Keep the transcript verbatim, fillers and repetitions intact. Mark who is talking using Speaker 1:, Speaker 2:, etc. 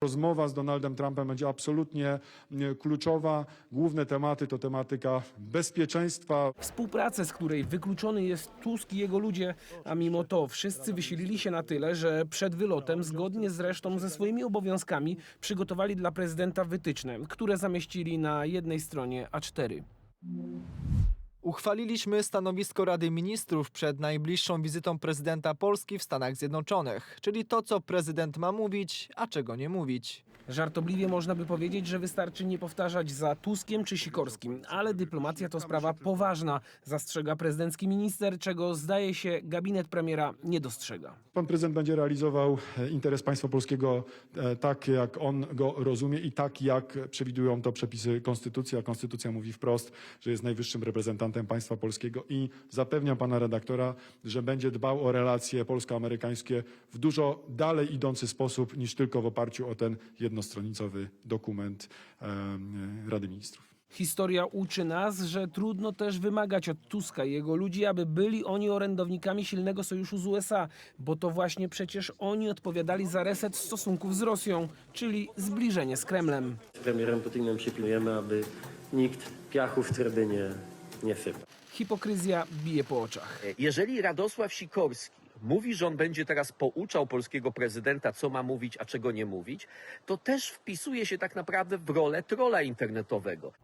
Speaker 1: Rozmowa z Donaldem Trumpem będzie absolutnie kluczowa. Główne tematy to tematyka bezpieczeństwa.
Speaker 2: Współpracę, z której wykluczony jest Tusk i jego ludzie, a mimo to wszyscy wysilili się na tyle, że przed wylotem, zgodnie zresztą ze swoimi obowiązkami, przygotowali dla prezydenta wytyczne, które zamieścili na jednej stronie A cztery.
Speaker 3: Uchwaliliśmy stanowisko Rady Ministrów przed najbliższą wizytą prezydenta Polski w Stanach Zjednoczonych, czyli to, co prezydent ma mówić, a czego nie mówić.
Speaker 2: Żartobliwie można by powiedzieć, że wystarczy nie powtarzać za Tuskiem czy Sikorskim, ale dyplomacja to sprawa poważna, zastrzega prezydencki minister, czego zdaje się gabinet premiera nie dostrzega.
Speaker 1: Pan prezydent będzie realizował interes państwa polskiego tak, jak on go rozumie i tak, jak przewidują to przepisy konstytucji, a konstytucja mówi wprost, że jest najwyższym reprezentantem państwa polskiego i zapewniam pana redaktora, że będzie dbał o relacje polsko-amerykańskie w dużo dalej idący sposób niż tylko w oparciu o ten jednostronicowy dokument Rady Ministrów.
Speaker 2: Historia uczy nas, że trudno też wymagać od Tuska i jego ludzi, aby byli oni orędownikami silnego sojuszu z U S A, bo to właśnie przecież oni odpowiadali za reset stosunków z Rosją, czyli zbliżenie z Kremlem.
Speaker 4: Z premierem Putinem się pilnujemy, aby nikt piachu w trybynie nie sypał.
Speaker 2: Hipokryzja bije po oczach.
Speaker 5: Jeżeli Radosław Sikorski mówi, że on będzie teraz pouczał polskiego prezydenta, co ma mówić, a czego nie mówić, to też wpisuje się tak naprawdę w rolę trolla internetowego.